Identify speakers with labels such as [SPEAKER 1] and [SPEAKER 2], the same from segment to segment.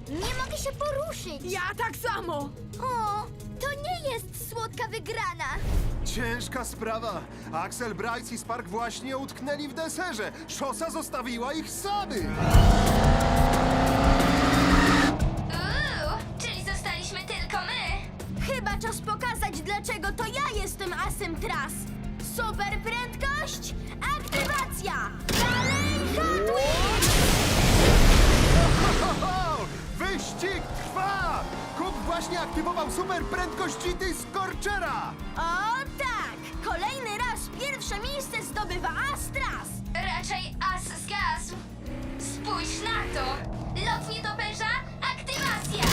[SPEAKER 1] Nie mogę się poruszyć.
[SPEAKER 2] Ja tak samo!
[SPEAKER 1] O, to nie jest słodka wygrana.
[SPEAKER 3] Ciężka sprawa. Axel, Bryce i Spark właśnie utknęli w deserze. Szosa zostawiła ich samych.
[SPEAKER 4] Czyli zostaliśmy tylko my.
[SPEAKER 1] Chyba czas pokazać, dlaczego to ja jestem asem tras. Super prędkość, aktywacja! Dalej, Hot Wheels!
[SPEAKER 3] Ho, ho! Wyścig trwa! Kup właśnie aktywował super prędkość GT Scorchera!
[SPEAKER 1] O tak! Kolejny raz pierwsze miejsce zdobywa Astras!
[SPEAKER 4] Raczej as zgasł. Spójrz na to. Lot nietoperza, aktywacja.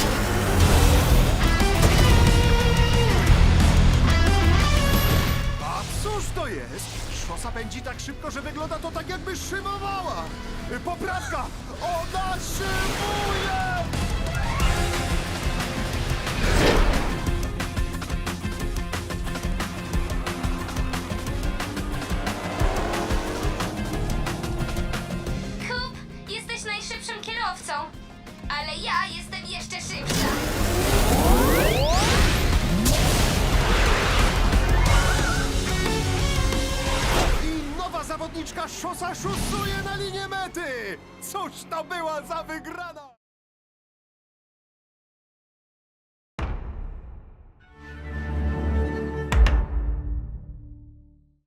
[SPEAKER 3] A cóż to jest? Szosa pędzi tak szybko, że wygląda to tak, jakby szybowała! Poprawka! Ona szybuje!
[SPEAKER 4] Kup, jesteś najszybszym kierowcą. Ale ja jestem jeszcze szybsza.
[SPEAKER 3] I nowa zawodniczka Szosa szusuje na linię mety! Cóż to była za wygrana!